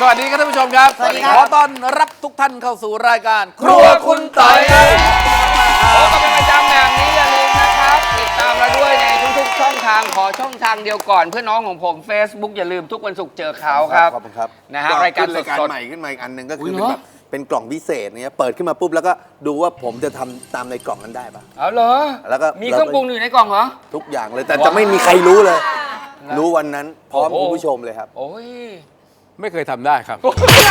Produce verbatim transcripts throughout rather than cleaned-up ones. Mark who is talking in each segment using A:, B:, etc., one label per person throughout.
A: สวัสดีครับท่านผู้ชมครับสวัสดีครับขอต้อนรับทุกท่านเข้าสู่รายการครัวคุณต่อยครับ
B: พบกันเป็นประจำแบบนี้อย่าลืมนะครับติดตามเราด้วยในทุกๆช่องทางขอช่องทางเดียวก่อนเพื่อน้องของผม Facebook อย่าลืมทุกวันศุกร์เจอเขาครับ
C: ขอบคุณครับ
B: นะฮะรายการสดๆ
C: ใหม่ขึ้นมาอีกอันหนึ่งก็คือเป็นแบบเป็นกล่องพิเศษเนี่ยเปิดขึ้นมาปุ๊บแล้วก็ดูว่าผมจะทำตามในกล่องนั้นได้ปะ
B: เอาเหรอ
C: แล้วก็
B: มีเครื่องปรุงอยู่ในกล่องเหรอ
C: ทุกอย่างเลยแต่จะไม่มีใครรู้เลยรู้วันนั้นพร้อมคุณผู้ชมเลยครับ
B: โอ้ย
A: ไม่เคยทำได้ครับ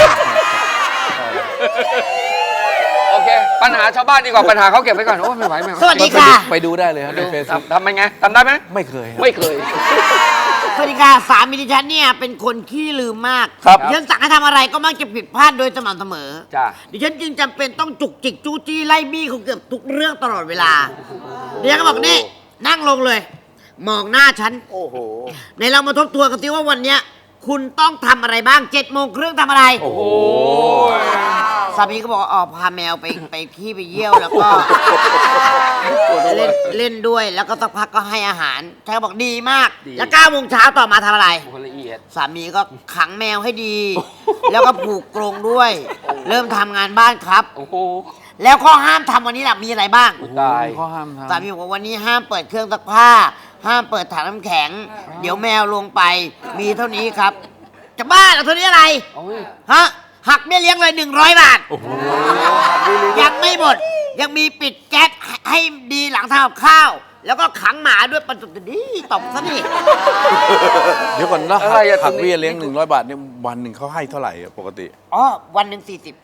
B: โอเคปัญหาชาวบ้านดีกว่าปัญหาเขาเก็บไว้ก่อนโอ้ไม่ไหวไม่ไหว
D: สวัสดีค่ะ
A: ไปดูได้เลยครับในเฟซบุ๊ก
B: ทำไงทำได้ไหม
A: ไม่เคย
B: ไม่เคย
D: สวัสดีค่ะสามีดิฉันเนี่ยเป็นคนขี้ลืมมาก
A: ครับ
D: ดิฉันสั่งให้ทำอะไรก็มักจะผิดพลาดโดยสม่ำเสมอ
B: จ้ะ
D: ดิฉันจึงจำเป็นต้องจุกจิกจู้จี้ไล่บี้เขาเกือบทุกเรื่องตลอดเวลาดิฉันก็บอกนี่นั่งลงเลย มองหน้าฉัน
C: โอ้โห
D: ในเรามาทบทวนกันสิว่าวันเนี้ยคุณต้องทำอะไรบ้างเจ็ดโมงครึ่งทำอะไร
A: โอ้โห
D: สามีก็บอกว่าอ๋อพาแมวไปไปขี้ไปเยี่ยวแล้วก็เล่นเล่นด้วยแล้วก็สักพักก็ให้อาหารใช่บอกดีมากแล้วเก้าโมงเช้าต่อมาทำอะไร
B: ละเอียด
D: สามีก็ขังแมวให้ดี แล้วก็ผูกกรงด้วย เริ่มทำงานบ้านครับ
B: โอ้โห
D: แล้วข้อห้ามทำวันนี้แหละมีอะไรบ้าง
B: ตาย
A: ข้อห้ามทำ
D: สามีบอกว่าวันนี้ห้ามเปิดเครื่องซักผ้าห้ามเปิดถังน้ำแข็งเดี๋ยวแมวลงไปมีเท่านี้ครับจะบ้าเหรอเท่านี้อะไรฮะหักเบี้ยเลี้ยงเลยหนึ่งร้อยบาทยังไม่หมดยังมีปิดแก๊สให้ดีหลังทำกับข้าวแล้วก็ขังหมาด้วยปันสุดดีตบซะนี่
A: เดี๋ยวก่อนนะหักเบี้ยเลี้ยงหนึ่งร้อยบาทเนี่ยวันหนึ่งเขาให้เท่าไหร่ปกติ
D: อ๋อวันหนึ่งสี่สิบ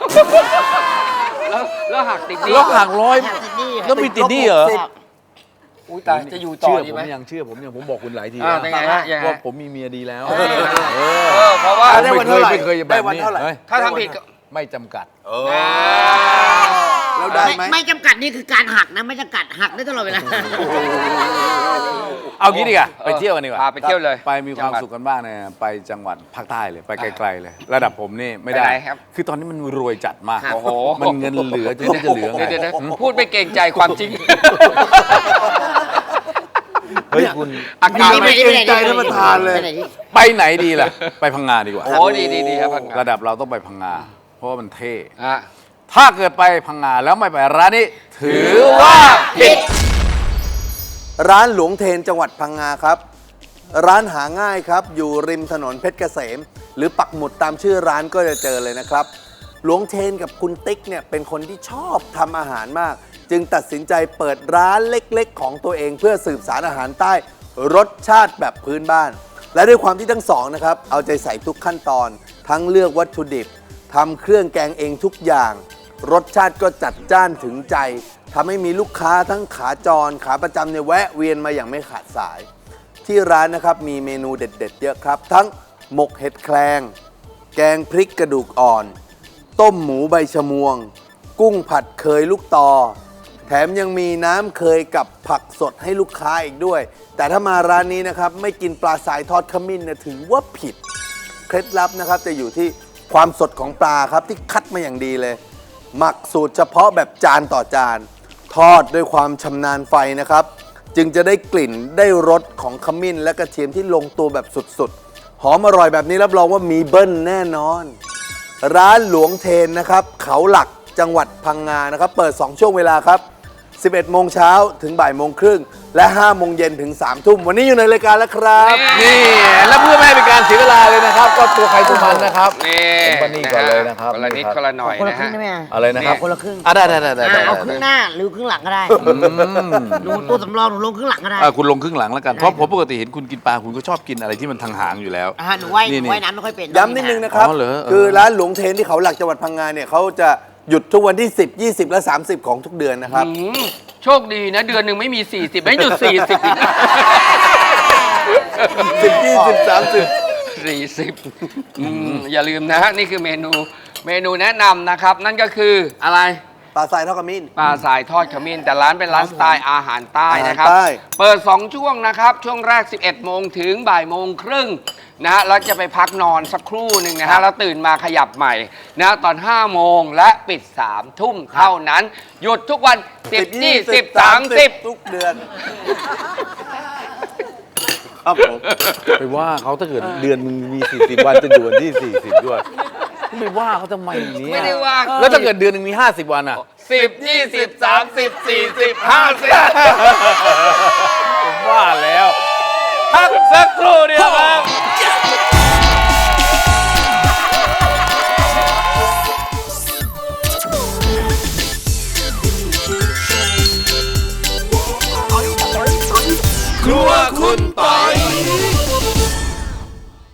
B: แล้วแล้วหักติดนี่
A: แล้วหักร้อยแล้วมีติดนี่เหรอ
B: อุ้ยตายจะอยู่ต่อดีไหม
A: ยังเชื่อผมยังผมบอกคุณหลายที
B: ว่า
A: ผมมีเมียดีแล้ว
B: เพราะว่า
A: ไม่เคยไม่เคยแบบนี้
B: ถ้าทำผิด
A: ไม่จำกัด
C: แล้วได้ไหม
D: ไม่จำกัดนี่คือการหักนะไม่จำกัดหักได้ตลอดเวลา
A: เอางี้ดีกว่าไปเที่ยวกันดีกว่า
B: ไปเที่ยวเลย
A: ไปมีความสุขกันบ้างเนี่ยไปจังหวัดภาคใต้เลยไปไกลๆเลยระดับผมนี่ไม่ได้คือตอนนี้มันรวยจัดมาก
B: โอ้โห
A: มันเงินเหลือจะจะเหลือไง
B: พูดไปเกรงใจความจริง
A: เฮ้ยคุณ
B: อาการ
C: ไม่เกรงใจท่านประธานเลย
A: ไปไหนดีล่ะไปพังงาดีกว่า
B: โอ้ดีดีดีครับ
A: ระดับเราต้องไปพังงาเพราะว่ามันเท่ถ้าเกิดไปพังงาแล้วไม่ไปร้านนี้ถือว่าผิด
C: ร้านหลวงเทนจังหวัดพังงาครับร้านหาง่ายครับอยู่ริมถนนเพชรเกษมหรือปักหมุดตามชื่อร้านก็จะเจอเลยนะครับหลวงเทนกับคุณติ๊กเนี่ยเป็นคนที่ชอบทำอาหารมากจึงตัดสินใจเปิดร้านเล็กๆของตัวเองเพื่อสืบสานอาหารใต้รสชาติแบบพื้นบ้านและด้วยความที่ทั้งสองนะครับเอาใจใส่ทุกขั้นตอนทั้งเลือกวัตถุดิบทำเครื่องแกงเองทุกอย่างรสชาติก็จัดจ้านถึงใจทำให้มีลูกค้าทั้งขาจรขาประจำเนี่ยแวะเวียนมาอย่างไม่ขาดสายที่ร้านนะครับมีเมนูเด็ดๆเยอะครับทั้งหมกเห็ดแคลงแกงพริกกระดูกอ่อนต้มหมูใบชะมวงกุ้งผัดเคยลูกตอแถมยังมีน้ำเคยกับผักสดให้ลูกค้าอีกด้วยแต่ถ้ามาร้านนี้นะครับไม่กินปลาสายทอดขมิ้นเนี่ยถือว่าผิดเคล็ดลับนะครับจะอยู่ที่ความสดของปลาครับที่คัดมาอย่างดีเลยหมักสูตรเฉพาะแบบจานต่อจานทอดด้วยความชำนาญไฟนะครับจึงจะได้กลิ่นได้รสของขมิ้นและกระเทียมที่ลงตัวแบบสุดๆหอมอร่อยแบบนี้รับรองว่ามีเบิ้ลแน่นอนร้านหลวงเทนนะครับเขาหลักจังหวัดพังงานะครับเปิดสองช่วงเวลาครับสิบเอ็ดโมงเช้าถึงบ่ายโมงครึ่งและห้าโมงเย็นถึงสามทุ่มวันนี้อยู่ในรายการแล้วครับ
A: นี่และเพื่อไม่ให้เป็นการเสียเวลาเลยนะครับก็ตัวใครตัวมันนะครับ
B: นี่
A: คนนี้ก่อนเลยนะครับ
B: คนละนิดคนละหน่อยนะฮะ
A: อะไรนะครับ
D: คนละครึ่ง
A: อ่ะได้ได้ได้ได้
D: เอาครึ่งหน้าหรือครึ่งหลังก็ได้หนูตัวสำรองหนูลงครึ่งหลังก็ได้
A: คุณลงครึ่งหลังแล้วกันเพราะผมปกติเห็นคุณกินปลาคุณก็ชอบกินอะไรที่มันทางหางอยู่แล้ว
D: หนูว่ายว่ายน้ำไม่ค่อยเป็น
C: ย้ำนิดนึงนะครับคือร้านหลวงเทนที่เขาหลักจังหวัดพังงาเนี่ยเขาจะหยุดทุกวันที่สิบ ยี่สิบและสามสิบของทุกเดือนนะครับ
B: โชคดีนะเดือนหนึ่งไม่มีสี่สิบไม่หยุดสี่สิบอีก
C: สิบ ยี่สิบ สามสิบ
B: สี่สิบอย่าลืมนะฮะนี่คือเมนูเมนูแนะนำนะครับนั่นก็คืออะไร
C: ปลาทรายทอดขมิ้น
B: ปลาทรายทอดขมิ้นแต่ร้านเป็นร้านสไตล์อาหารใต้นะครับเปิดสองช่วงนะครับช่วงแรกสิบเอ็ดโมงถึงบ่ายโมงครึ่งนะฮะแล้วจะไปพักนอนสักครู่หนึ่งนะฮะแล้วตื่นมาขยับใหม่นะตอนห้าโมงและปิดสามทุ่มเท่านั้นหยุดทุกวันสิบ ยี่สิบ สามสิบ
C: ทุกเดือนครับผม
A: ไปว่าเขาถ้าเกิดเดือนมึงมีสี่สิบวันจะอยู่วันที่สี่สิบด้วยไปว่าเขาทำไมเนี่ย
B: ไม่ได้ว่า
A: แล้วถ้าเกิดเดือนหนึงมีห้าสิบวันอ่ะ
B: สิบยี่สิบสามสิบสี่สิบห้าสิบ
A: ผมว่าแล้วพักสักครู่เดียวครับ